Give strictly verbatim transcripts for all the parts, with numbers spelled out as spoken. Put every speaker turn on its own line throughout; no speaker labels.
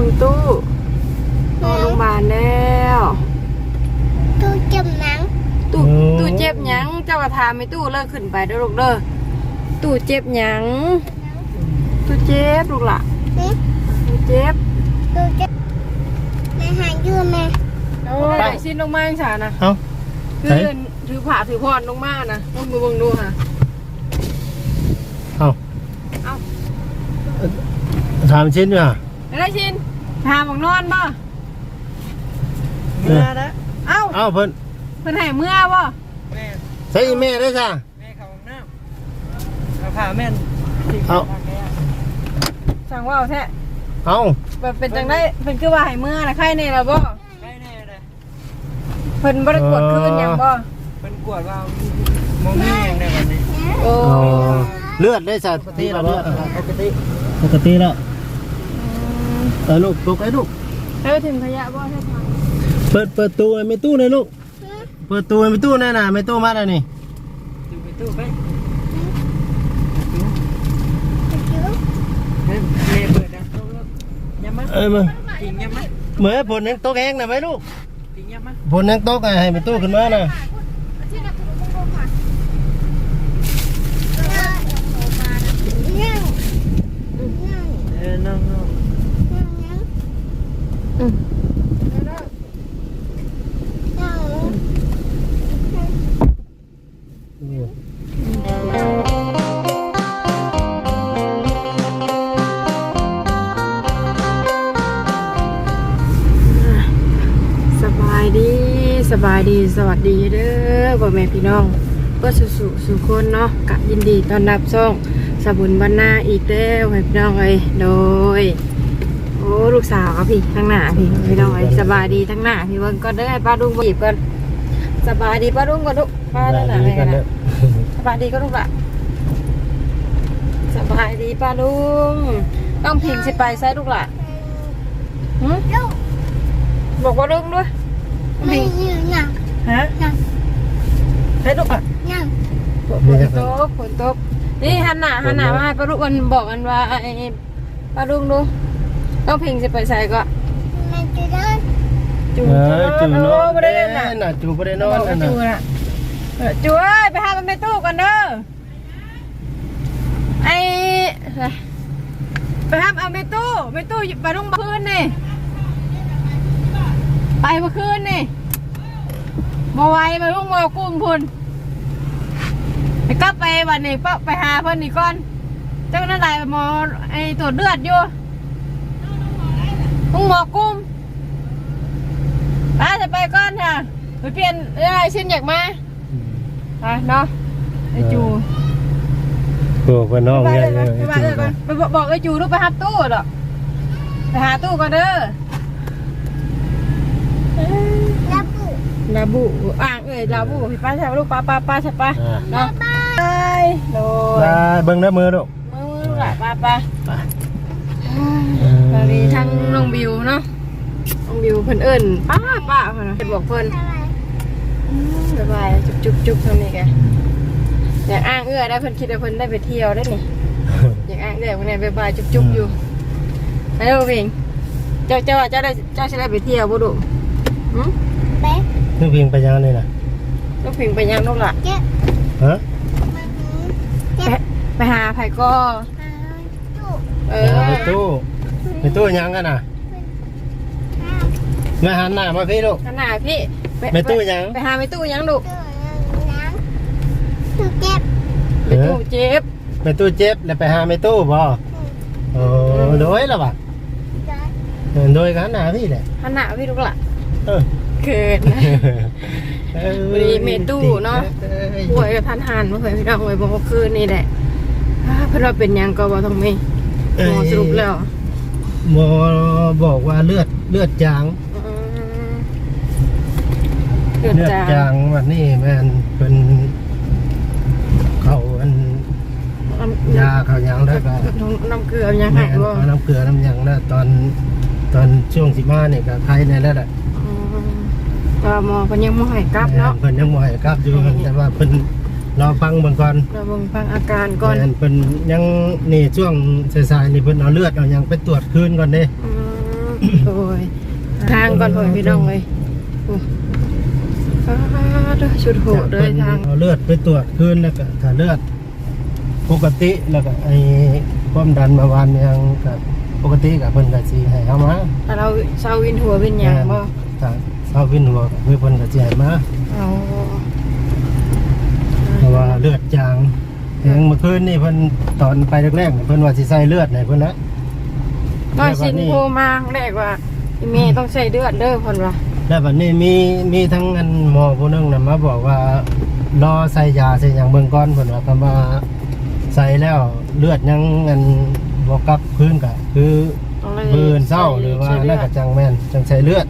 องตู้นอนโรงพยาบาลแล้ว
ตู้เจ็บหนัง
ตู้ตู้เจ็บหยังเจ้ากระทาไม่ตู้เลิกขึ้นไปเด้อลูกเด้อตู้เจ็บหยังตู้เจ็บลูกล่ะตู้เจ็บ
ตู้เจ็บแม่หายยืมแม่
โอ้ยชิ้นลงมาอย่างฉานะ
เอ้า
คือถือผ่าถือพรลงมานะลงมือบังดูค่ะ
เอ้า
เอ้า
ถามชิ้นอยู่ฮะ
อะไรชิ้นถามของนอนป่ะเมื่อแล้วเอ้า
เอ้าเพิ่น
เพิ่นให้เมื่อป่ะ
แม่
ใส่แม่ได้จ้ะ
แม่เขาห้องน้ำเอาผ่าแม่น
เอา
สั่งว่าแท้
เอ้า
แบบเป็นจังได้เป็นคือว่าให้เมื่อนะใครเนี่ยเราบ่
ใครแน่เลย
เพิ่นบ่ได้กวดคืนอย่างบ่
เพิ่นกวดว่าโมมี่อย่างในวันนี้
โอ้
เลือดได้จ้ะปกติแล้วเลือดปกติปกติแล้วเออลูกลูกไอ้ลูก
เฮ้ยถึงขยะบ่ใช่ไหม
เปิดเปิดตู้ไม่ตู้เลยลูกเปิดตู้ไม่ตู้แน่น่ะไม่ตู้มาแล้วนี่
ตู้ไปตู้ไปเปิดนะยังมั้ย
เอ้ยมึง
จริงยังมั้ย
เหมือนผลยังโต๊ะแห้งนะไหมลูก
จริงยังมั้ย
ผลยังโต๊ะให้ไม่ตู้ขึ้นมาน่ะ
เออน้องน้อง
อืมสบายดีสบายดีสวัสดีเด้อพ่อแม่พี่น้องเพื่อสู่สู่สู่คนเนาะกะยินดีต้อนรับช่องสบุญบรรณาอีกแล้วพี่น้องเอ้ยโดยโอ้ลูกสาวพี่ทั้งหน้าพี่พี่น้องเอ้ยสบายดีทั้งหน้าพี่เบิ่งก็ได้ป้าดุ้งบีบกันสบายดีป้าดุ้งก็ดุป้าด้านหน้าเลยนะสบายดีก็ลูกละสบายดีป้าดุ้งต้องพิงสิไปใส่ลูกละหืมบอกว่าดุ้งด้วย
ไม่ยืมยัง
ฮะให้ลูกอ่ะ
ยัง
ฝนตกฝนตกนี่ฮันหนาฮันหนามาให้ป้าดุ้งมันบอกกันว่าไอ้ป้าดุ้งดูต้องพิงสิไปใส่ก็
แม่จะได้
จู
จูนอน
ไม่ได้เล่นน่ะ
จูไม่ได้นอนน่ะ
จูน่ะจูเอ้ยไปหามันไปตู้กันเด้อไอ้ไปหาเอาไปตู้ไปตู้ไปลงมาคืนนี่ไปเมื่อคืนนี่มาไวมาลุงมากุ้งพุ่นไปกลับไปวันนี้ปะไปหาเพิ่นนี่ก่อนเจ้าหน้าที่หมอไอ้ตรวจเลือดอยู่ลุงหมอกุ้งป้าจะไปก่อนค่ะไปเปลี่ยนอะไรชิ้นอยากมาไปเนาะไอ้จู
โอ้ไปน้องเนี่ย
ไปไปบอกไอ้จูลูกไปหาตู้หรอไปหาตู้ก่อนเด้อ
ลาบู
ลาบูอ่างเอ้ยลาบูพี่ป้าใช่ลูกป้าป้าป้าใช่ป้าเนาะไปโดย
เบิ้งได้มือลูก
มือมือหล่ะป้าป้าตอนนี้ทั้งน้องบิวเนาะน้องบิวเพิ่นเอิญป้าป้าเพิ่นเพิ่นบอกเพิ่นสบายจุ๊บจุ๊บจุ๊บทำนี่แกอยากอ้างเอื้อได้เพิ่นคิดว่าเพิ่นได้ไปเที่ยวได้นี่อยากอ้างเอื้อเพิ่นได้บายจุ๊บจุ๊บอยู่ไปเด้อพิงเจ้าเจ้าเจ้าได้เจ้าจะได้ไปเที่ยวบ่ดุหืม
ไป
นึกพิงไปยังนี่นะ
นึกพิงไปยังลูกล่ะ
เจ๊
ฮะ
ไปหาไผ่ก็
เอ
อไปตู้ไปตู้ยังกันน่ะมาหันหน้ามาพี่ลูก
หันหน้าพี่
ไปตู้ยัง
ไปหาไปตู้ยังลูก
ตู้เจ็บ
ไปตู้เจ็บ
ไปตู้เจ็บแล้วไปหาไปตู้บ่โอ้โดยแล้วป่ะโดยกันหน้าพี่แหละ
หันหน้าพี่ลูกล่ะ
เออ
เกิดวันนี้เมตู้เนาะป่วยกับทันหันเมื่อคืนพี่น้องเลยบอกว่าคืนนี่แหละเพื่อนเราเป็นยังก็บอกต้องมีหมอสรุปแล้ว
หมอบอกว่าเลือดเลือดจางเลือดจางวันนี้แม่นเป็นเขาอันยาเขายังได้ก็
น้ำเกลือยังไงก็
น้ำเกลือน้ำยังได้ตอนตอนช่วงสิมาเนี่ยก็ใครในแล้วแหละ
แต่หมอเพิ่นยังบ่ให้กลับเนาะ
เพิ่นยังบ่ให้กลับอยู่แต่ว่าเพิ่นรอฟังเบิ่งก่อน
รอเบิ่งฟังอาการก่อน
เพิ่นยังนี่ช่วงสายๆนี่เพิ่นเอาเลือดเอาหยังไปตรวจคืนก่อนเด้
โอ้ยทางก่อนพ่อพี่น้องเลยโอ้ฟ้าเด้อชุดโหดเลยทาง
เอาเลือดไปตรวจคืนแล้วก็ถ้าเลือดปกติแล้วก็ไอ้ความดันเมื่อวานยังก็ปกติกับเพิ่นก็สิให้เฮามา
ถ้าเราเศร้าวินหัววินหยางบ่
ถ้าเศร้าวินหัวก็คือเพิ่นก็สิให้มา
เอา
เพราะว่าเลือดจางแหงเมื่อคืนนี่เพิ่นตอนไปแรกๆนี่เพิ่นว่าสิใส่เลือดให้เพิ่นนะ
น้อยสินโทรมาแรกว่าอีเมย์ต้องใช้เลือดเด้อเพิ่นว่า
แล้วบัดนี้มีมีทั้งอันหมอผู้หนึงน่ะมาบอกว่ารอใส่ยาใส่หยังเบิ่งก่อนเพิ่นว่าคำว่าใส่แล้วเลือดยังอันบ่กลับคืนก็คือ
ต้องเลย
บืนเศร้าหรือว่าน่าจะจังแม่นจังใส่เลือด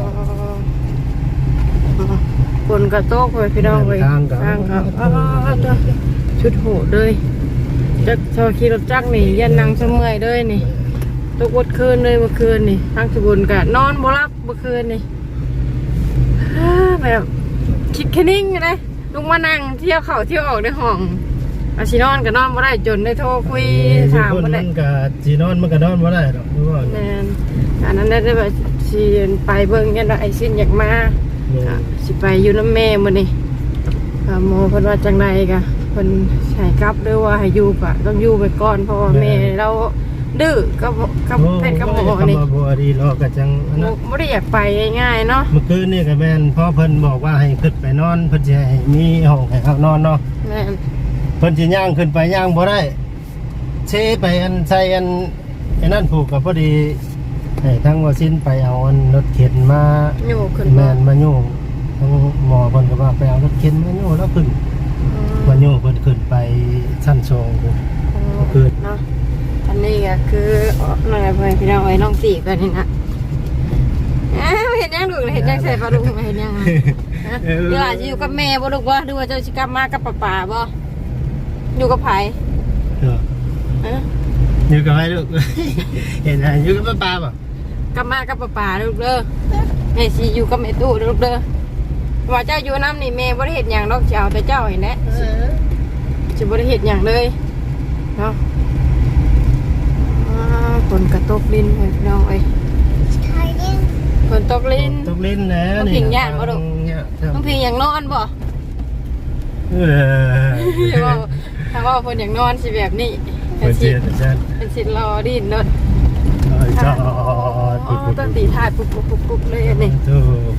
ฝนกระโตกเลยพี่น้องเลย
ทางกับ
ทางกับอ้าวเด้อชุดโหดเลยจักชอขี่รถจักรนี่ยันนางเสมอยเลยนี่ตกวัดคืนเลยเมื่อคืนนี่ทางสบุญกะนอนบ่รับเมื่อคืนนี่ฮ่าแบบคิดแค่นิ่งเลยลุกมานั่งเที่ยวเข่าเที่ยวออกในห้องอาชินอนก็นอนบ่ได้จนได้โทรคุยถาม
คน
บ่ได้
มันก็สินอนมันก็นอนบ่ได้ดอกรู้บ่
แม่นอันนั้นได้แบบสิไปเบิ่งยันว่าไอ้สิ้นอยากมา ก็สิไปอยู่น้ำแม่มื้อนี้ก็หมอเพิ่นว่าจังไดก็เพิ่นให้กลับหรือว่าให้อยู่ก็ต้องอยู่ไปก่อนเพราะว่าแม่เราดื้อกับกับแพทย์กับหมอนี่
บ่ดีรอก็จังอันนั้น
บ่ได้อยากไปง่ายๆเนาะ
เมื่อคืนนี่ก็แม่นพ่อเพิ่นบอกว่าให้ขึ้นไปนอนเพิ่นสิให้มีห้องให้เขานอนเนาะ
แม่น
เพิ่นสิย่างขึ้นไปย่างบ่ได้เชไปอันใส่อันไอ้นั่นผูกกับพอดีให้ทั้งว่าสิ้นไปเอาอันรถเข็นมา
อยู่ขึ้น
แม
บ่
นมาโย่ทั้งหมอเพิ่นก็ว่าไปเอารถเข็นมาโย่แล้วขึ้นมาโย่เพิ่นขึ้นไปชั้นสองพุ่น ขึ้น
เนาะอันนี้ก็คือนั่นแหละเพิ่นพี่น้องเอ้ยน้องตีกันนี่นะอ้าวเฮ็ดยังลูกเฮ็ดยังใส่ปลาลูกเฮ็ดยังฮะเดี๋ยวอาจจะอยู่กับแม่บ่ลูกบ่หรือว่าเจ้าสิกลับมากับป้าๆบ่อยู่กับไผ
เออ
ฮะ
อยู่กับใครลูก เห็นไหมอยู่กับป้าป่ะ
กลับมากับป้าๆลูกเด้อแม่สิอยู่กับแม่ตู้เด้อลูกเด้อว่าเจ้าอยู่น้ำนี่แม่บ่ได้เฮ็ดหยังดอกสิเอาแต่เจ้าเห็นแหละสิบ่ได้เฮ็ดหยังเลยเนาะอ่าฝนกระตกลิ้นให้พี่น้องเอ้ย
ใช่ดิ
ฝนตกลิ้น
ตกลิ้นนะ
ต้องพิงย่านบ่ลูก
เนี่ยครับ
น้องพิงอยากนอนบ่
เออ
อย่าว่าถ้าว่าเพิ่นอยากนอนสิแบบนี้
เปิดเสียงอาจารย์
เป็นสิรอดิ้นเนาะ
จอด
อ๋อต้องตีถ่ายปุ๊บปุ๊บปุ๊บปุ๊บเลยอันนี้
ถูก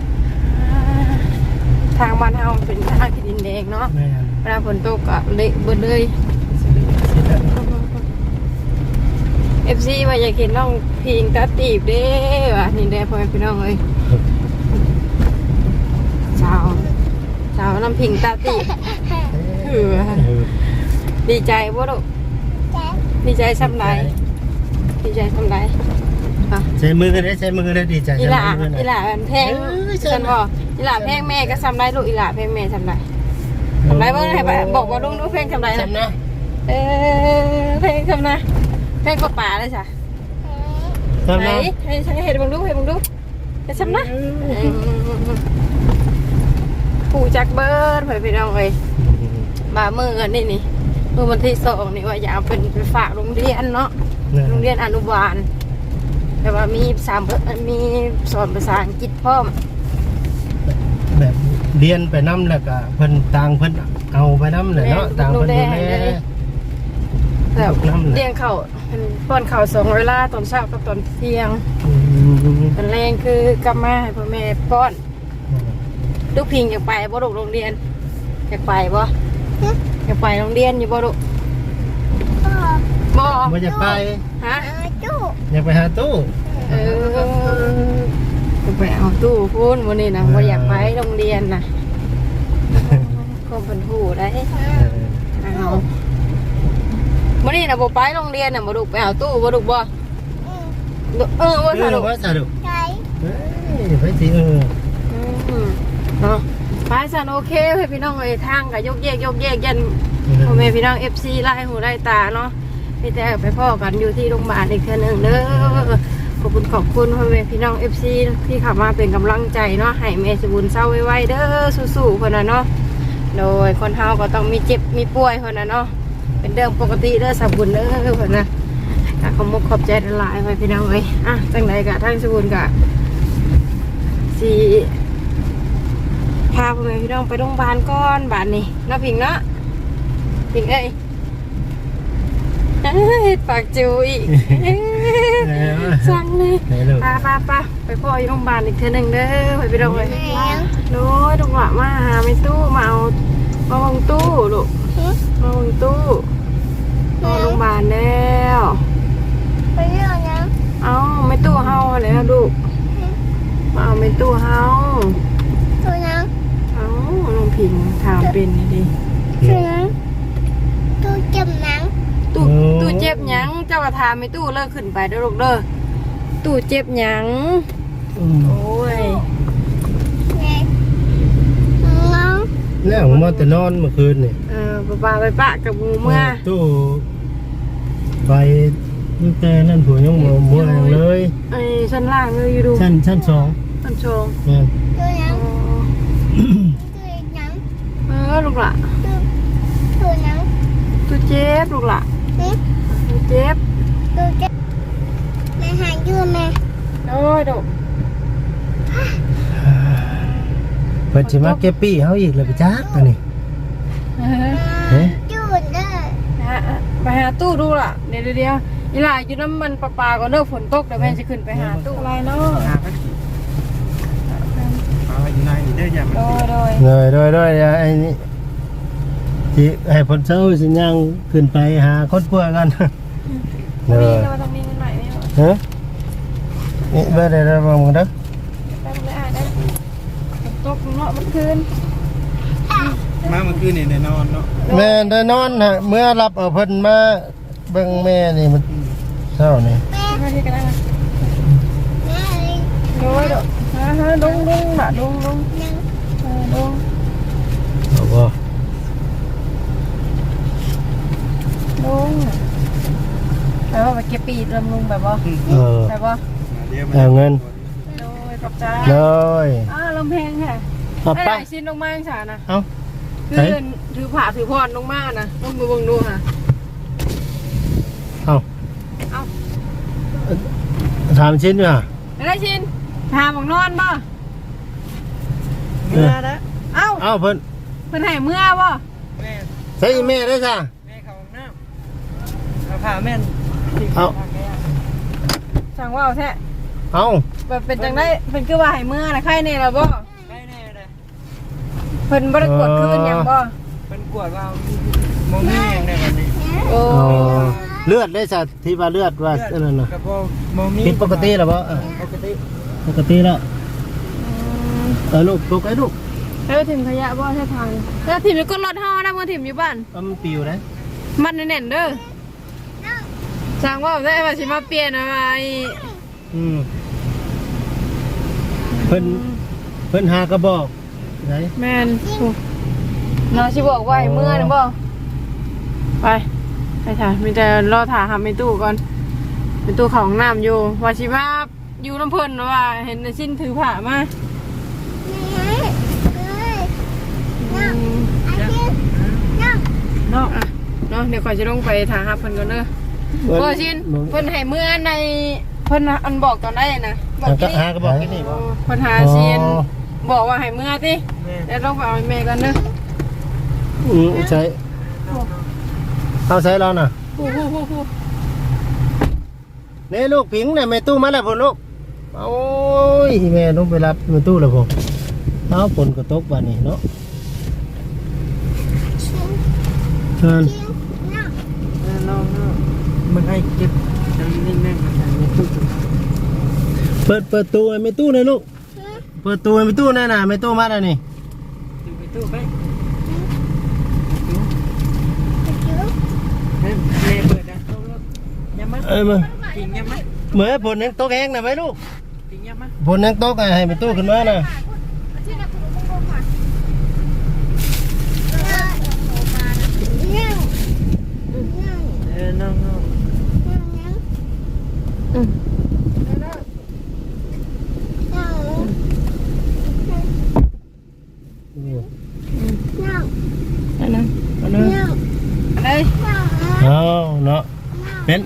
ทางบ้านเฮามันเป็นทางที่ดินแดงเนาะ
แม่น
เวลาฝนตกก็เละเบิดเลย เอฟ ซี ว่าอยากเห็นน้องพิงตาตีบเด้ว่ะนี่แด้พ่อแม่พี่น้องเอ้ยสาวสาวน้ำพิงตาตีบเออดีใจบ่ลูก
ใช่
ดีใจซ้ำใดดีใจซ้ำใดอ่ะ
ใช้มือได้ใช้มือได้ดีใจ
อีหล่า
ใช้มือ
อีหล่าแพงฉันบอกอีหล่าแพงแม่ก็ซ้ำได้ลูกอีหล่าแพงแม่ซ้ำได้ซ้ำได้บ่ให้ไปบอกว่าลุงดูแพงซ้ำได้นะ
ซ้ำนะ
เออแพงซ้ำนะแพงกว่าป่าเลยจ้ะ
ซ้ำ
ไหน
นะ
ให้ฉันเห็นบังดูเห็นบังดูจะซ้ำนะผู้จักเบิร์ดไปพี่น้องเลยมาเมื่อนี่นี่เมื่อวันที่สองนี่ว่าอยากเอาเป็นไปฝากโรงเรียนเนาะโรงเรียนอนุบาลแต่ว่ามีสามมีสอนภาษาอังกฤษพร้อม
แบบเรียนไปน้ำแล้วก็เพิ่นต่างเพิ่นเอาไปน้ำเลยเนาะต่างเพิ่นดูแล
แบบเลี้ยงเขาเป็นป้อนเขาสองเวลาตอนเช้ากับตอนเที่ยง
อืม
ตอนแรงคือกลับมาให้พ่อแม่ป้อนลูกพิงอยากไปบ่ลูกโรงเรียนอยากไปบ่อยากไปโรงเรียนอยู่บ่ลูก
พ่อ
บ่
ว่าจะไป
ฮะ
เออจุ๊
อยากไปหาตู้
เออจะไปเอาตู้พูนวันนี้นะว่าอยากไปโรงเรียนนะก็เป็นผู้ได้
เออ
เอาวันนี้นะบ่ไปโรงเรียนน่ะบ่ลูกไปเอาตู้บ่ลูกบ่
อืม
เออว่า
เอ
ซะ
อ
ลูก
ว่าสนุก
ใช่
เฮ้ยไปสิเออ
อืมเนาะไปสันโอเคให้พี่น้องเอ้ยทางก็ยกแยกยกแยกยันพ่อแม่พี่น้อง เอฟ ซี ไล่หูไล่ตาเนาะมีแต่ไปพ่อกันอยู่ที่โรงพยาบาลอีกเทื่อนึงเด้อขอบคุณขอบคุณพ่อแม่พี่น้อง เอฟ ซี ที่เข้ามาเป็นกำลังใจเนาะให้แม่สมบูรณ์เศร้าไว้ๆเด้อสู้ๆเพิ่นน่ะเนาะโดยคนเฮาก็ต้องมีเจ็บมีป่วยเพิ่นน่ะเนาะเป็นเรื่องปกติเด้อสมบูรณ์เด้อเพิ่นน่ะกะขอมุกขอบใจหลายๆไปพี่น้องเอ้ยอ่ะจังใดกะทางสบุนกะสีพาพ่อแม่พี่น้องไปโรงพยาบาลก่อนบาดนี้เนาะพิงเนาะพิงเอ้ยเอ้ยปากจิ๋วอีกสั่งเลย
ไหนลูก
ป้าป้าป้าไปพ่ออยู่โรงพยาบาลอีกเทื่อหนึ่งเด้อไปพี่น้องเอ้ยโน้ยลูกหละมาหาไม่ตู้มาเอามาวางตู้ลูกมาวางตู้นอนโรงพยาบาลแล้ว
ไปเรื่องนะ
เอาไม่ตู้เฮาแล้วลูกมาเอาไม่ตู้เฮา
ตัวนะ
เอาลงพิงถามเป็นนี่ดิ
ตัวนะตัวเจ็บหนัง
ตู้ตู้เจ็บหยังเจ้ากระทามไม่ตู้เลิกขึ้นไปเด้อลูกเด้อตู้เจ็บหยัง
อืม
โอ้ย
แม่น้อง
แล้วผมมาแต่นอนเมื่อคืนนี่
เออป้าป้าไปปะกับหมูเมื่อ
ตู้ไปตั้งแต่นั่นผัวยังบ่มัวแรงเลย
ไอ้ชั้นล่างเลยอยู่ดู
ชั้นชั้นสอง
ชั้นโชง
แม่น
ตัวนะ
อ๋อ
ตัวหนัง
เออลูกละ
ตัวตัวหนัง
ตู้เจ็บลูกละ
นี่
ตู้เจ็บ
ตัวเจ็บแม่หายยืมแม่
โอ้ยดู
เพิ่นสิมาเก็บปี้เฮาอีกแล้วไปจักอันนี้
เออ
เฮ้ย
ยืนได้
ฮะไปหาตู้ดูล่ะเดี๋ยวเดี๋ยวอีหล่าอยู่น้ำมันปลาปลาก่อนเด้อฝนตกเดี๋ยวแม่จะขึ้นไปหาตู้อะไรเนาะ
หาไปเอาอยู่ในนี่เด้ออย่ามัน
โดย
ติด
โดย
โดยโดยโดยไอ้นี่สิให้เพิ่นเช้าสิย่างขึ้นไปหาคนป่วยกัน
มี
เด้อ
เราต้องมีเงินหน่อยไหม
ฮะนี่เบ่ได้ได้บ่มึงเด้อ
ได้ไม่ได้ได้ฝนตกเนาะมันคืน
มาเมื่อคืนนี่ได้นอนเนาะ
แม่ได้นอนฮะเมื่อรับเอาเพิ่นมาเบิ่งแม่นี่มันเช้านี่
แม่
มาที่กันได้ไหม
แม่เลย
โดยโดยฮะฮะดุงดุงน่ะดุงดุง
หนัง
เออดุง
เอาบ่
ดุงไปว่าไปเก็บปีดลำลุงแบบว่า
เออ
แบบว่า
เดี๋ยว
เอาเงิน
โดยขอบใจ
เลย
อ้าลำแพงแค่
เอา
ได้
ไป
หลายชิ้นลงมาจังสานะ
เอา
คือ
ไหน
ถือผ่าถือพรลงมานะลงมือเบังดูค่ะ
เอา
เอา
ถามชิ้นว่ะ
ได้ชิ้นพาบอกนอนบ่
เมื่อนะ
เอ้า
เอาเพิ่น
เพิ่นให้เมื่อบ่
แม่
ใส่แม่ได้จ้ะ
แม่เข้าห้องน้ำเอาผ้าแม่น
เอา
สั่งว่าเอาแท้
เอา
แบบเป็นจังได้เป็นคือว่าให้เมื่อนะใครเนี่ยล่ะบ่
ได้แน่เลย
เพิ่นบ่ได้กดคืนหยังบ่
เป็นกวดว่าโมมี่ยังได้แบบนี้
โอ้
เอาเลือดได้จ้ะที่ว่าเลือดว่าอันนั้นน่ะ
กับโมมี่
ผิดปกติแล้วบ่เออ
ปกติ
ปกติแล้วเออลูกลูกไอ้ลูก
แล้วถิ่มขยะบ่ใช่ทางแล้วถิ่มอยู่ก็รถเฮานะบ่ถิ่มอยู่บ้าน
เอามันปิวนะ
มันแน่นๆเด้อสั่งว่าได้ว่าสิมาเปลี่ยนอะไร
อืมเพิ่นเพิ่นหากระบอกไหน
แม่นโอ้น้องสิบอกว่าให้เมื่อนะบ่ไปไปถ่ายมีแต่รอถ่ายหาในตู้ก่อนในตู้ของน้ำอยู่ว่าสิมาอยู่น้ำเพิ่นว่า เห็นในชิ้นถือผ้ามา
แม่เลย
อืม
อาทิตย์นั่ง
เนาะอ่ะเนาะเดี๋ยวก่อนจะลงไปถ่ายหาเพิ่นก่อนเด้อพอชิ้นเพิ่นให้เมื่อในเพิ่นอันบอกตอนได้นะบอก
หา
ที่
กระ
นี่
หากระบอกที่นี่บ่
เพิ่นหาชิ้นบอกว่าให้เมื่อติ
แม่
เดี๋ยวลงไปเอาให้แม่กันเด้อ
อืมใช้เอาใช้เราน่ะ
ฮู้ฮู้ฮู้ฮู้
นี่ลูกผิงเนี่ยแม่ตู้มาแล้วพุ่นลูกโอ้ยแม่ต้องไปรับแม่ตู้แล้วพุ่นเอาฝนก็ตกวันนี้เนาะ
ชิ้น
เชิญ
ชิ้นนั่ง
น้องๆมันให้เก็บจำนิ่งแม่งมันในตู้
เปิดเปิดตู้ให้แม่ตู้หน่อยลูกเปิดตู้ให้แม่ตู้หน่อยนะแม่ตู้มาแล้วนี่
ดูไปตู้ไป
ไปจิ้ว
แม่แม่เปิดนะตู้แล้วยับมั้ย
เอ้ยมา
จริงยับมั้ย
เหมือนฝนยังตกแห้งนะไหมลูก
จริงยับมั้ย
ฝนยังตกอะให้แม่ตู้ขึ้นมานะ
นั่งนั่ง
เออน้องๆ
นั่งนั่ง
อืม
นั่ง
อืม
นั่ง
อันนั้น
เอาเนาะ
นั่ง
เอ้ย
นั่ง
เอาเนาะเป็นเอา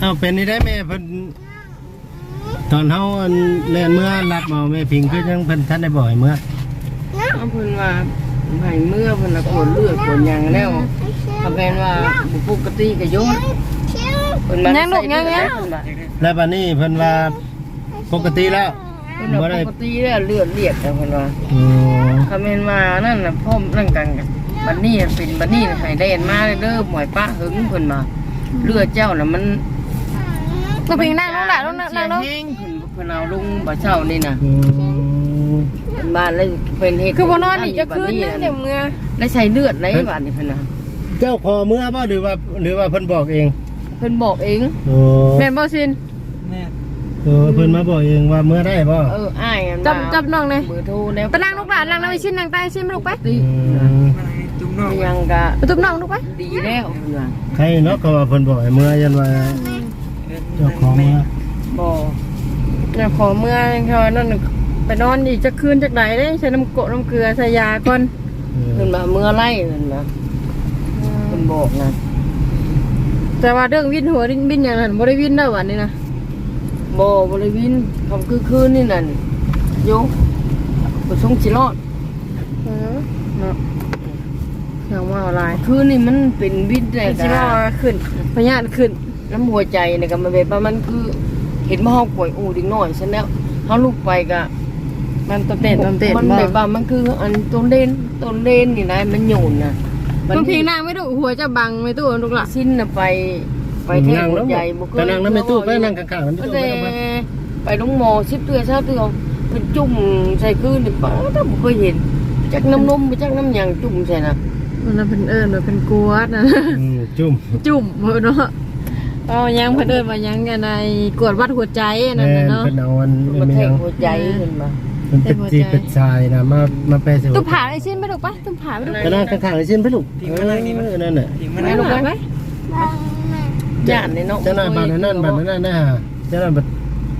เอาเป็นนี่ได้แม่เพิ่นตอนเฮาอันเล่นเมื่อรับเอาแม่พิงคือยังเพิ่นทันได้บ่อยเมื่อ
เอาเพิ่นว่าให้เมื่อเพิ่นละกดเลือดกดหยังแล้วถ้าเป็นว่าบ่ปกติก็โยนเพิ่นมาใส่เลือดเพิ่นว่า
แล้วบัดนี้เพิ่นว่าปกติแล้ว
เพิ่นว่าปกติแล้วเลือดเลียดแต่เพิ่นว่า
อ๋อ
ถ้าเป็นว่านั่นน่ะพ่อมนั่นกันกันบัดนี้เป็นบัดนี้ให้แล่นมาเด้อหมวยป้าหึงเพิ่นมาเลือดเจ้าน่ะมัน
น้องพิงนั่งลงหล่ะลงนั่งนั่งลง
เสียแห้งเพิ่นเพิ่นเอาลุงบ่เช้านี่น่ะ
อืม
เป็นบ้านแล้วเป็นเฮ็ด
คือบ่นอนอีกจะคืนนึงเดี๋ยวเมื่อ
แล้วใช้เลือดไหนบาดนี่เพิ่นน่ะ
เจ้าขอเมื่อบ่หรือว่าหรือว่าเพิ่นบอกเอง
เพิ่นบอกเอง
โอ้
แม่นบ่ซิน
แม่
เออเพิ่นมาบอกเองว่าเมื่อได้บ่
เอออ้ายอัน
จับจับน้องเลย
เบอร์โทรแนว
ไปนั่งลูกหลานนั่งนั่งไปชิ้นนั่งใต้ชิ้นมาลูกไป
ติ
อืม
ยังกะ
ไปตุ้มน้องลูกไป
ดีแล้วเพิ่นว่า
ใครเนาะก็ว่าเพิ่นบอกให้เมื่อยันว่าเจ้าของเมื่อ
บ่
เนี่ยขอเมื่อเขานั่นน่ะไปนอนอีกจะคืนจากไหนเด้ใช้น้ำกรดน้ำเกลือใส่ยาก่อน
เพิ่นมาเมื่อไล่เพิ่นว่าเพิ่นบอกนะ
แต่ว่าเรื่องวินหัววินวินอย่างนั้นบ่ได้วินได้วันนี้นะ
บ่บ่ได้วินคำคือคืนนี่นั่นโยบ่ส่งสิรอด
เออเนาะอย่างว่าอะไร
คืนนี่มันเป็นวินได้
ไอ้
ก
ที่ว่า
ะ
ขึ้นพยาธิขึ้น
น้ำหัวใจเนี่ยก็มันแบบว่ามันคือเห็นว่าเฮาป่วยอูดิ่งน้อยฉันแล้วเฮาลุกไปก็
มันต้นเต้นต้นเต้น
มันแบบว่ามันคืออันต้นเล่นต้นเล่นนี่นะมันโยนน่ะ
ต้องพิงนั่งไม่ดูหัวจะบังไม่ตู้ลูกหล่ะ
สิ้นน่ะไปไปเทศ
นั่งแล้ว
ใหญ่บ่เค
ไป
ย
นั่งแล้วไม่ตู้ไปนั่งข้างๆแล้วไม่
ก็
ตู้
แต่
ไปเอามา
ไปลงหมอสิบเตือเช้าเตือเพิ่นจุ่มใส่คืนนี่ป้าถ้าบ่เคยเห็นจักน้ำนมบ่จักน้ำหยังจุ่มใส่น่ะ
มันเป็นเอิญมันเป็นกวดนะ
อืมจุ่ม
จุ่มเนาะเอายังเพิ่นเอิญมายังกันในกวดวัดหัวใจนั่น
แม่
น่ะ
น
เนาะ
เป็นเอาอัน
มัน
ไม่
แท
ยัง ง
หัวใจเห็นบ่
มันเป็นจีเป็นชายนะมามาแปลสิ
ตุ้มผ่าไอ้ชิ้นไปลูกปะตุ้มผ่าไปลูก
ก็นั่งข้างๆไอ้เช่นพี่ลูกเออนั่นน่ะ
ไปลูกไปไหม
ย่านนี่เนาะ
เจ้าหน้าบ้านนั่นบ้านนั่นนะฮะเจ้าหน้าบ้าน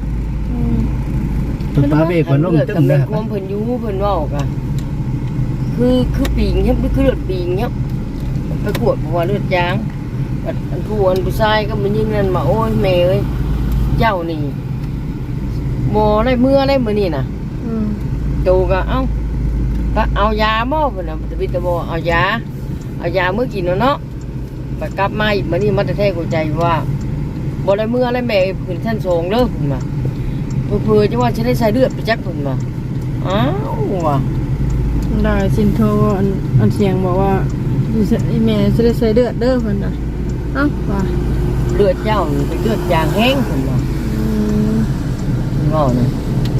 ตุ๊ป้าเบรกมันล้มตึ้ม
เล
นะ
ยความเพิ่นอยู่เพิ่นเว้าก็คือคือปีงเฮ็ดคือเลือดปีงเนี้ยไปกวดเพราะว่าเลือดจางอันอันผู้อันผู้ชายก็มันยิงนั่นมาโอ้ยแม่เอ้ยเจ้านี่บ่ได้เมื่อได้มื้อนี่น่ะ
อืม
ตูก็เอ้าก็เอายาบ่เพิ่นน่ะตะบิตะบ่เอายาเอายามื้อกินเนาะไปกลับมาอีกมื้อนี้มันจะแท้หัวใจว่าบ่ได้เมื่อได้แม่ขึ้นชั้นสองเด้อเพิ่นว่าเพื่อๆจะว่าจะได้ใส่เลือดไปจักเพิ่นว่าอ้าวว่ะ
ได้ชินโทรอันอันเสียงบอกว่าไอ้แม่จะได้ใส่เลือดเด้อเพิ่นน่ะเอ้าว่า
เลือดเจ้านี่เป็นเลือดจางแห้งเพิ่นว่า
อืม
เพิ่นว่าน่ะ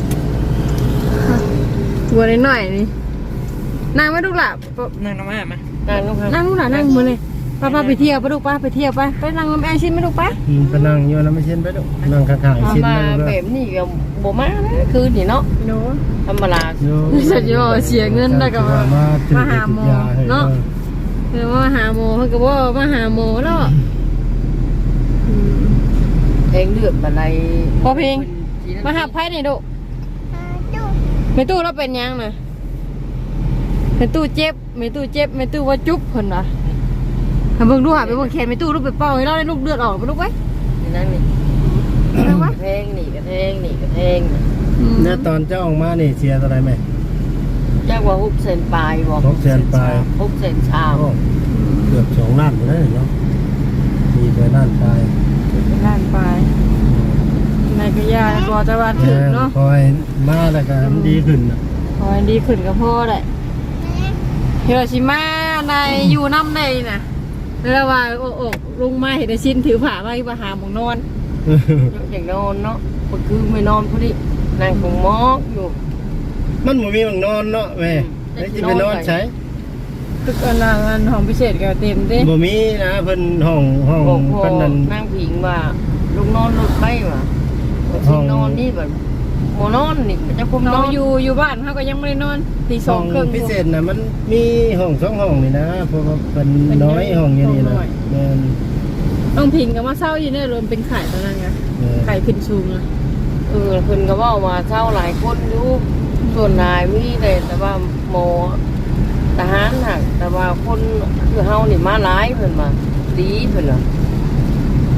หัวนิดหน่อยนี่นั่งไม่ลูกหล่ะ
นั่งน้ำมามานั่งลูกครับ
นั่งลูกหล่ะนั่งมือเลยป้าป้าไปเที่ยวไปลูกป้าไปเที่ยวไปไปนั่งน้ำแอร์ชิ้นไม่ลูกป้า
ไปนั่งอยู่นะไม่เช่นไปลูกนั่งข้างๆไอ้เช่น
มา
นั่น
แบ
เลย
บนี้ก็บ่มานะคือนี่เนาะ
โน้
ธรรมดา
สัญญาเสียเงินแล้วก็มามาหาหมอเนาะคือมาหาหมอเพิ่นก็บ่มาหาหมอแล้วอืม
แทงเลือดบัดใด
พอเพลง มาหาไผนี่ดุแม่ตู้เราเป็นหยังน่ะแม่ตู้เจ็บแม่ตู้เจ็บแม่ตู้ว่าจุ๊บเพิ่นว่ะหาเบิ่งดูหาไปเบิ่งแขนแม่ตู้ลูกไปเป่าให้เราได้ลูกเลือดออกไปลูกไว้
นี่นั่นนี่
เอาไว้
แทงนี่ก็แทงนี่ก็แทง
เนี่ยตอนเจ้าออกมานี่เชียร์อะไรไหม
จักว่าฮุบเส้นปลายบ่
ฮุบเส้นปลาย
ฮุบเส้นชาม
เกือบสองล้านเลยเนาะมีไปล้านปลาย
ล้านไปนายก็ยาก็จะว่าถึงเนาะ
คอยมาแล้วก็มันดีขึ้นน่ะ
ขอให้ดีขึ้นกับพ่อได้เฮโรชิมาในอยู่น้ำในน่ะแล้วว่าโอ้โอ้ลงมาเห็นไอ้ชิ้นถือผ้ามาไปหาหมองนอน
อย่างนอนเนาะก็คือไม่นอนพอดีนั่งคงมอกอยู่
มันบ่มีบังนอนเนาะแม่แล้วจะไปนอนใช้
ตึกอันละอันห้องพิเศษก็เต็มเด้
บ่มีนะเพิ่นห้องห้อง
บอกพ่อ
เพิ่นนั่น
นั่งผิงว่าลูกนอนหลุดไปว่ะสินอนนี่แบบโมนอนนี่มันจะคุมน
เรา
อน
อยู่อยู่บ้านเขาก็ยังไม่ได้นอนตีส
ห้
อ
อง ง
ครึ่ง
พิเศษน่ะมันมีห้องสองห้องนี่นะเพราะว่าเพิ่น
เป็น
น้อยห้องอย่างนี้นะ
ห้องน้อย
แม่น
ต้องพิงกับว่าเศร้าอยู่เนี่ยรวมเป็นไข่ตอนนั้นไง
เออ
ไข่ขึ้นสูงอะ
เออเพิ่นก็เว่ามาเช่าหลายคนอยู่ส่วนนายมีแต่แต่ว่าโมทหารหักแต่ว่าคนคือเฮานี่มาหลายเพิ่นมาดีเพิ่นน่ะ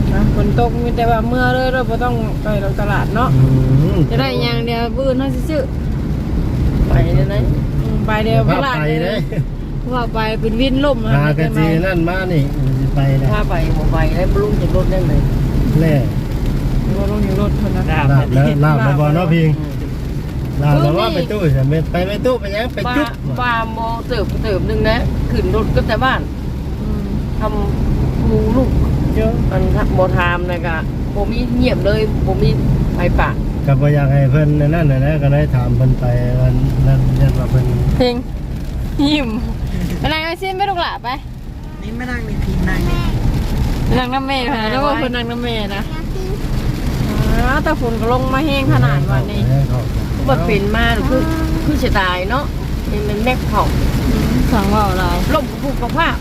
นะฝนตกมีแต่ว่าเมื่อเลยเราบ่ต้องไปเราตลาดเนาะ
อืม
จะได้อย่างเดียวบื้อน่าซื้อ
ไปเลยนะ
ๆอืมไปเดียว
พา
ตลาด
ไป
เล
เลย
ยว่าไปเป็นวินล่ม
หากะจีนั่นมานี่สิไปเลย
ถ้าไปบ่ไปได้บ่ลุงจะรถได้เลย
แน่
ว่าลงอยู่รถคนนะ
ลาบแล้วลาบแล้วบ่เนาะพิงลาบแล้วว่าไปตู้ใช่ไหมไปไปตู้ไปยังไป
ป้า
จุ๊บ
ป้าโมเติบเติบนึงนะขึ้นรถก็แต่บ้าน
อืม
ทำหมูลูกเยอะมันบ่ทามนะกะบ่มีเงียบเลยบ่มีไฟป่า
ก็บ่อยากให้เพิ่นนั่นน่ะนะก็ได้ถามเพิ่นไปวันนั้นยันว่าเพิ่น
เพลงยิ้มไปนั่งไอซินไปลูกหล่ะไป
นี่ไม่นั่งนี่พิงนั่งนี่
ไปนั่งน้ำเมย์ค่ะแล้วว่าคนนั่งน้ำเมย์นะ
อยากกิน
อ๋อแต่ฝนก็ลงมาแห้งขนาดวันนี้
บ่เป็นมาคือคือสิตายเนาะนี่มันแม็กเผา
อืมสั่งว่าอะไร
ล่มผูกกับผ้า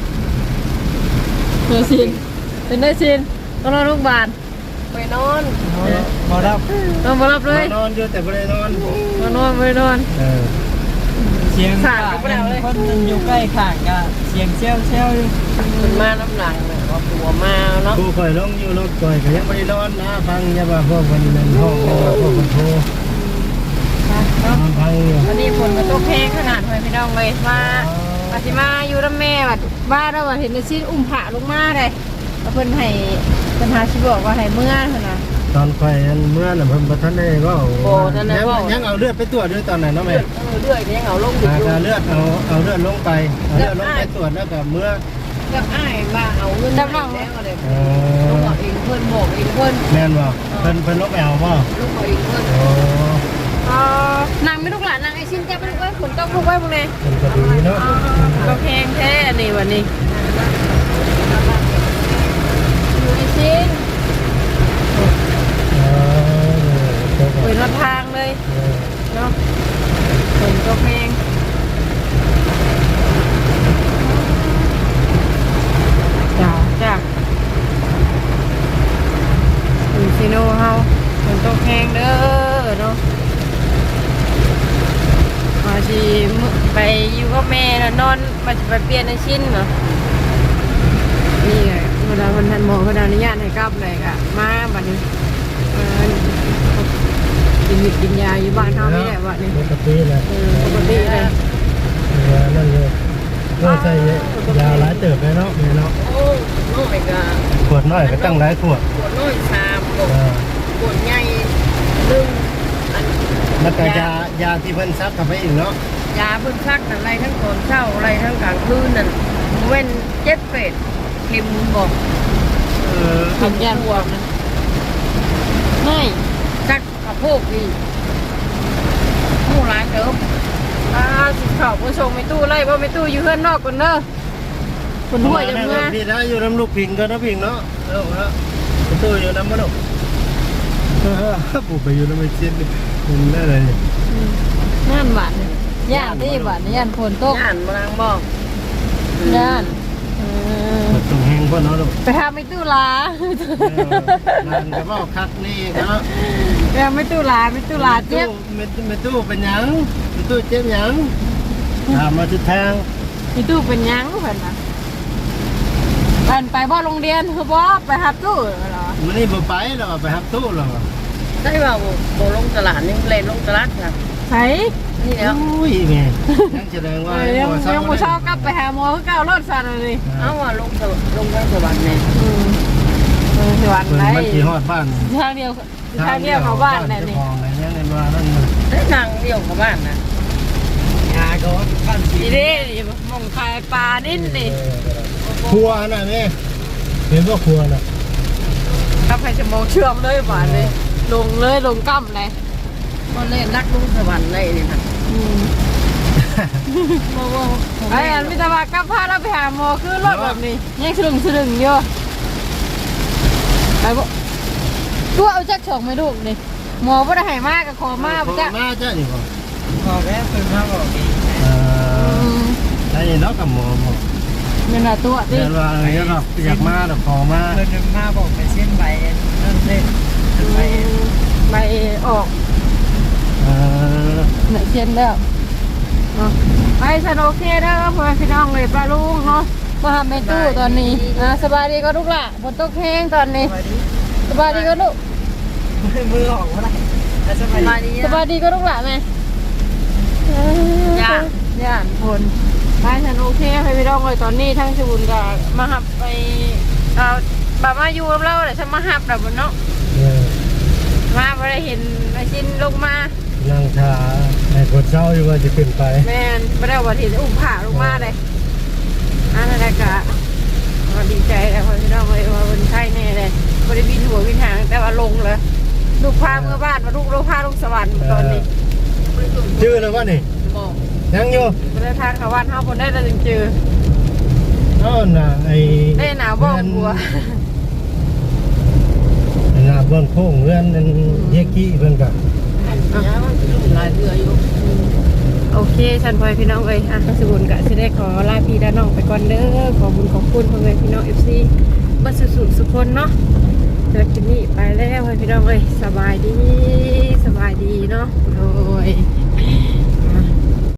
เนยซินเป็นเนยซินต้องรอลูกบาล
ไปนอน
บ่รับ
ต้องมารับเลย
นอนอยู่แต่บ่ได้นอน
มานอนไม่นอน
เออ
เสียง
ขาดก็ไม่ได้เลย
คนมันอยู่ใกล้ข้างก็เสียงเชี่ยวเชี่ยวอยู่
มันมาน้ำหลังน่ะว่าตัวมาเนาะ
ผู้ข่อยลงอยู่รถข่อยก็ยังบ่ได้นอนนะฟังอย่าว่าพวกเพิ่นนั่นห้องอย่าว่าพวกเพิ่นโทรนอนฟังอยู่
วันนี้ฝนก็ตกแห้งขนาดเลยพี่น้องเลยมาปฏิมาอยู่น้ำแม่วัดบ้านเราว่าเห็นเนยซินอุ้มผ้าลงมาเลยแล้วเพิ่นให้เพิ่นหาชิบอกว่าให้เมื่อเพิ่นนะ
ตอนข่อยอันเมื่อน่ะเพิ่นบ่ทันได้เว้า
โอ้นั่นน่ะ
ยัง
ว่า
ยังเอาเลือดไปตรวจด้วยตอนนั้นเนาะ
เลื
แม่
อดเออเลือดก็ยังเอาลงอยู่
หาเลือดเอาเอาเลือดลงไปเอาเลือดลงไปตรวจแล้วก็เมื่อ
กับอ้ายว่าเอาเงิน
จำลอง
แล้วอะไร
เอ
ลูก
อ
เอาเองเพิ่นบอกเองเพิ่น
แม่นบ่เพิ่นเพิ่นลงไปเอาบ่
ลูกเอาเองเพิ่น
โอ้
อ๋อนางไม่ลูกหลานนางไอชินจะไปลูกไว้ฝนตกลูกไว้พวกนี้
เพิ่นก็ดีเนาะ
ก็แพงแท้นี่วันนี้อยู่ไอชิน
เออเออ
เปิดมาทางเลย
เออ
เนาะฝนก็แพงจ้าจ้าอยู่ซิโนเฮาฝนตกแพงเด้อเนาะมาชีไปอยู่กับแม่แล้วนอนมาจะไปเปลี่ยนไอชินเนาะนี่ไงเวลาวันทันหมอเขาอนุญาตให้กลับเลยอะมาบัดนี้เออกินหยุดกินยาอยู่บ้านเขาไม่ได้วะนี่
ปกติแหละ
เออปกติเลย
ยานั่นเลยก็ใส่ยาหลายเติบเลยเนาะแม่เนาะ
โอ้น้อยก็
ขวดน้อยก็ตั้งหลายขวด
ปวดน้อยสามปวด
เออ
ปวดใหญ่หนึ่งอัน
แล้วก็ยายาที่เพิ่นซักเข้าไปอีกเนาะ
ยาเพิ่นซักนั่นอะไรทั้งตอนเช้าอะไรทั้งกลางคืนนั่นเว้นเจ็ดเป็ดเข็มบอก
เออ
กินยาบวกนะไม่
ซักกระโพกนี่หมู่ร้านเดิม
อ่าสิเข่าผู้ชมไม่ตู้ไล่ว่าไม่ตู้อยู่เพื่อนนอกก่อนเนอะคนหัวจะเมื่อ
พี่นะอยู่น้ำลูกพิงก็นะพิงเนาะเออฮะตัวอยู่น้ำมันลูกเออปู่ไปอยู่น้ำไม่ชินเป็นได้เลย
ย่านบาทเนี่ยย่านที่บาทเนี่ยย่านฝนตก
ย่านมานางบอก
ย่านเออ
ตรงแห้งพ่อเนาะลูก
ไปหาไม่ตู้ลา
งานก็บอกคักนี่เนาะ
ไปหาไม่ตู้ลาไม่ตู้ลาเจ็บ
ไม่ไม่ตู้เป็นหยังไม่ตู้เจ็บหยังถามมาทิศทาง
ไม่ตู้เป็นหยังเพิ่นนะไปไปบ่โรงเรียนคือบ่ไปหับตู้เหรอ
มันนี่บ่ไปหรอกไปหับตู้หรอก
ได้ว่าโบลงตลาดนี่เล่นลงตลาดค่ะ
ไส
นี่แล้ว
อุ้ยแม่ยังแสดงว่า
ยังยังบ่เช้ากลับไปหาหมอคือเก่ารถสั่นเลย
เอาว่าลงสวลงทางสวรรค์เนี่ย
อืมเออสวรรค์
เพิ่น
ไหน
มันสิฮอดบ้าน
ทางเดียวทางเดียวเขาบ้านน่ะนี่
เจ้าของอะไรเงี้ยเงินว่านั่นมัน
ได้นางเดียวกับบ้านนะ
ยาก็บ้านสี
นี่เด้นี่มองคายปลานิ่นนี่
ครัวน่ะแม่เห็นว่าครัวน่ะ
ถ้าใครจะมองเชื่อมเลยหวานเลย ลงเลยลงกั้มเลย
ก็เล่นนักลงสวรรค์ได้นี่ค่ะ
ไอ้อันมิตรบากลับพาเราไปหาหมอคือรถแบบนี้ยังสลึงสลึงอยู่ไปบ่ตัวเอาจักฉกไม่ลูกนี่หมอบ่ได้ให้มากกับขอมาก
ขอ
จ้ะ
มาจ้ะนี่บ่
พอแค่เป็นข้าวบอกเอง
เออไอ้เนาะกับหมอหมอ
เงินละตัวดิ
เรียนว่าอะไรก็อยากมาดอกขอมา
เพิ่นจะมาบอกไปเส้นใบนั่นเส้นใบ
ไปออก
เออ
ไหนเช่นแล้วไปสนุกเด้อเพื่อนพี่น้องเลยปลาลุงเนาะมาหาแม่ตู้ตอนนี้อ่าสบายดีก็ลูกหล่ะฝนตกแห้งตอนนี้สบายดีก็ลูก
มือออกว่าไรสบายดี
สบายดีก็ลูกหล่ะแม่
ย่า
ย่านฝนไปฉันโอเคให้พี่น้องเลยตอนนี้ทั้งสบุนกับมาหับไปเอาบามาอยู่กับเราแต่ฉันมาหับแบบบนเนาะ
เออ
มาไม่ได้เห็นไอ้ชินลงมา
นั่งชาให้คนเศร้าอยู่ว่าจะขึ้นไป
แม่นไม่ได้วันที่อุ้มผ่าลงมาเลยอันนั้นแหละกะก็ดีใจแล้วพี่น้องเลยว่าคนไทยแน่เลยไม่ได้บินหัวบินหางแต่ว่าลงเลยลูกพาเมื่อบ้านมาลูกลูกพาลูกสวรรค์ตอนนี้
ชื่อแล้วว่านี่
บอก
ยังอยู่
ไม่ได้ทางเขาวันเท่าคนได้แต่จึงเจอ
เอ้าน่ะไอ้
ได้หนาวบ้องบัว
น่ะเบื้องโค้งเรือนนั่นเยกี้เพิ่นก็
ลายเรืออยู่
โอเคฉันพลอยพี่น้องเอ้ยอ่ะสบุนกะจะได้ขอลาพี่และน้องไปก่อนเด้อขอบุญขอบคุณพ่อแม่พี่น้องเอฟซีบัสสุสุคนเนาะเจอคลิปนี้ไปแล้วให้พี่น้องเอ้ยสบายดีสบายดีเนาะโอ้